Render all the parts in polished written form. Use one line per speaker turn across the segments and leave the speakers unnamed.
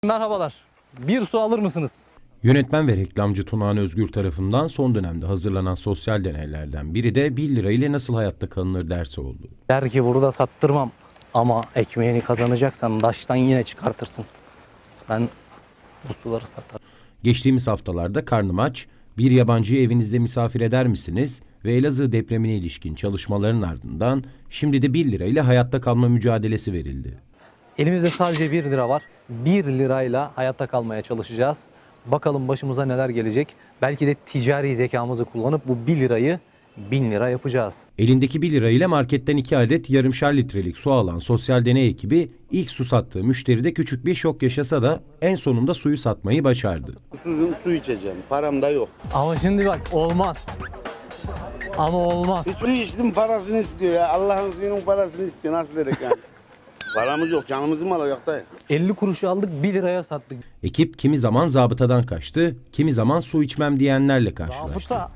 Merhabalar. Bir su alır mısınız?
Yönetmen ve reklamcı Tunağan Özgür tarafından son dönemde hazırlanan sosyal deneylerden biri de 1 lira ile nasıl hayatta kalınır dersi oldu.
Der ki burada sattırmam ama ekmeğini kazanacaksan daştan yine çıkartırsın. Ben bu suları satarım.
Geçtiğimiz haftalarda karnım aç, bir yabancıyı evinizde misafir eder misiniz ve Elazığ depremine ilişkin çalışmaların ardından şimdi de 1 lira ile hayatta kalma mücadelesi verildi.
Elimizde sadece 1 lira var. 1 lirayla hayatta kalmaya çalışacağız. Bakalım başımıza neler gelecek. Belki de ticari zekamızı kullanıp bu 1 lirayı 1000 lira yapacağız.
Elindeki 1 lira ile marketten 2 adet yarımşar litrelik su alan sosyal deney ekibi ilk su sattığı müşteride küçük bir şok yaşasa da en sonunda suyu satmayı başardı.
Su içeceğim. Param da yok.
Ama şimdi bak olmaz. Ama olmaz.
Su içtim parasını istiyor ya. Allah'ın suyunun parasını istiyor. Nasıl dedik yani? Paramız yok. Canımızı mı alacak dayı?
50 kuruşu aldık 1 liraya sattık.
Ekip kimi zaman zabıtadan kaçtı, kimi zaman su içmem diyenlerle karşılaştı.
Zabıta.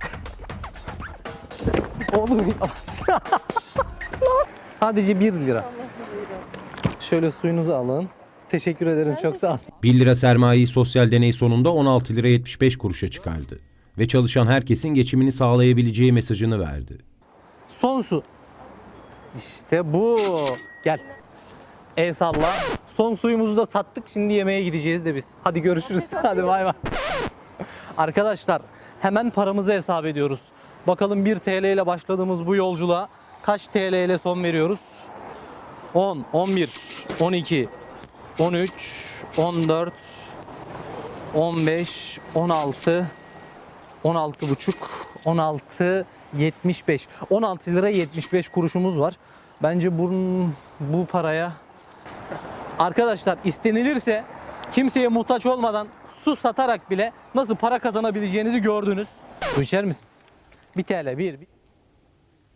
Oğlum sadece 1 lira. Şöyle suyunuzu alın. Teşekkür ederim, çok sağ olun.
1 lira sermayeyi sosyal deney sonunda 16 lira 75 kuruşa çıkardı ve çalışan herkesin geçimini sağlayabileceği mesajını verdi.
Son su. İşte bu. Gel. El salla. Son suyumuzu da sattık. Şimdi yemeğe gideceğiz de biz. Hadi görüşürüz. Hadi bay bay. Arkadaşlar hemen paramızı hesap ediyoruz. Bakalım 1 TL ile başladığımız bu yolculuğa kaç TL ile son veriyoruz? 10, 11, 12, 13, 14, 15, 16, 16 buçuk, 16, 75. 16 lira 75 kuruşumuz var. Bence bu paraya arkadaşlar istenilirse kimseye muhtaç olmadan su satarak bile nasıl para kazanabileceğinizi gördünüz. Su içer misin? 1 TL, 1.